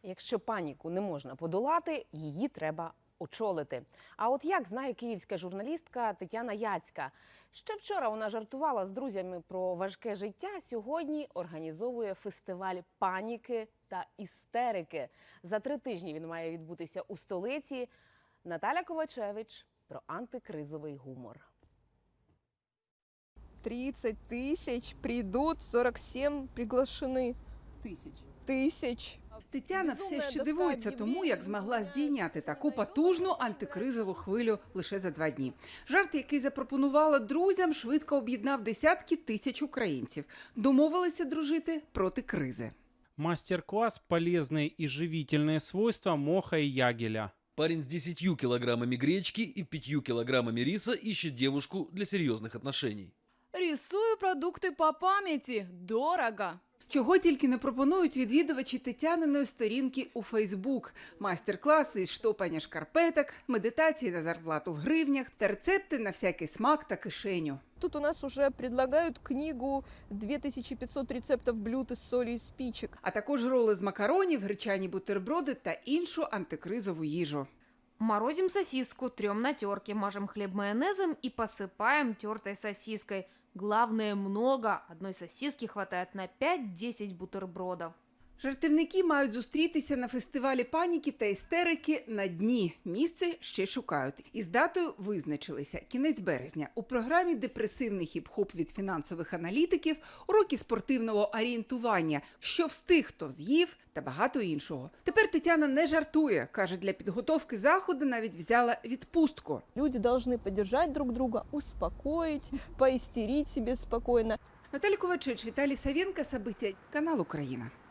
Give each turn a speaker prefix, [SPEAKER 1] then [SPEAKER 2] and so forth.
[SPEAKER 1] Якщо паніку не можна подолати, її треба очолити. А от як знає київська журналістка Тетяна Яцька. Ще вчора вона жартувала з друзями про важке життя, сьогодні організовує фестиваль паніки та істерики. За 3 тижні він має відбутися у столиці. Наталя Ковачевич про антикризовий гумор.
[SPEAKER 2] 30 тысяч придут, 47 приглашены. Тисяч.
[SPEAKER 3] Тетяна все ще дивується тому, як змогла здійняти таку потужну антикризову хвилю лише за 2 дні. Жарт, який запропонувала друзям, швидко об'єднав десятки тисяч українців. Домовилися дружити проти кризи.
[SPEAKER 4] Мастер-класс «Полезные и живительные свойства моха и ягеля».
[SPEAKER 5] Парень с 10 килограммами гречки и 5 килограммами риса ищет девушку для серьезных отношений.
[SPEAKER 6] Рисую продукты по памяти. Дорого.
[SPEAKER 3] Чого тільки не пропонують відвідувачі Тетяниної сторінки у Фейсбук. Майстер-класи із штопання шкарпеток, медитації на зарплату в гривнях та рецепти на всякий смак та кишеню.
[SPEAKER 2] Тут у нас уже предлагают книгу 2500 рецептов блюд из соли и спичек.
[SPEAKER 3] А також роли з макаронів, гречані бутерброди та іншу антикризову їжу.
[SPEAKER 7] Морозим сосиску, трем на терке, мажем хлеб майонезом и посыпаем тертой сосиской. Главное, много. Одной сосиски хватает на 5-10 бутербродов.
[SPEAKER 3] Жартівники мають зустрітися на фестивалі паніки та істерики на дні. Місце ще шукають. Із датою визначилися – кінець березня. У програмі депресивний хіп-хоп від фінансових аналітиків, уроки спортивного орієнтування, що встиг, хто з'їв та багато іншого. Тепер Тетяна не жартує. Каже, для підготовки заходу навіть взяла відпустку.
[SPEAKER 2] Люди должны поддержать друг друга, успокоить, поистерить себе спокойно.
[SPEAKER 3] Наталя Ковачевич, Віталій Савенко, Собиття, канал «Україна».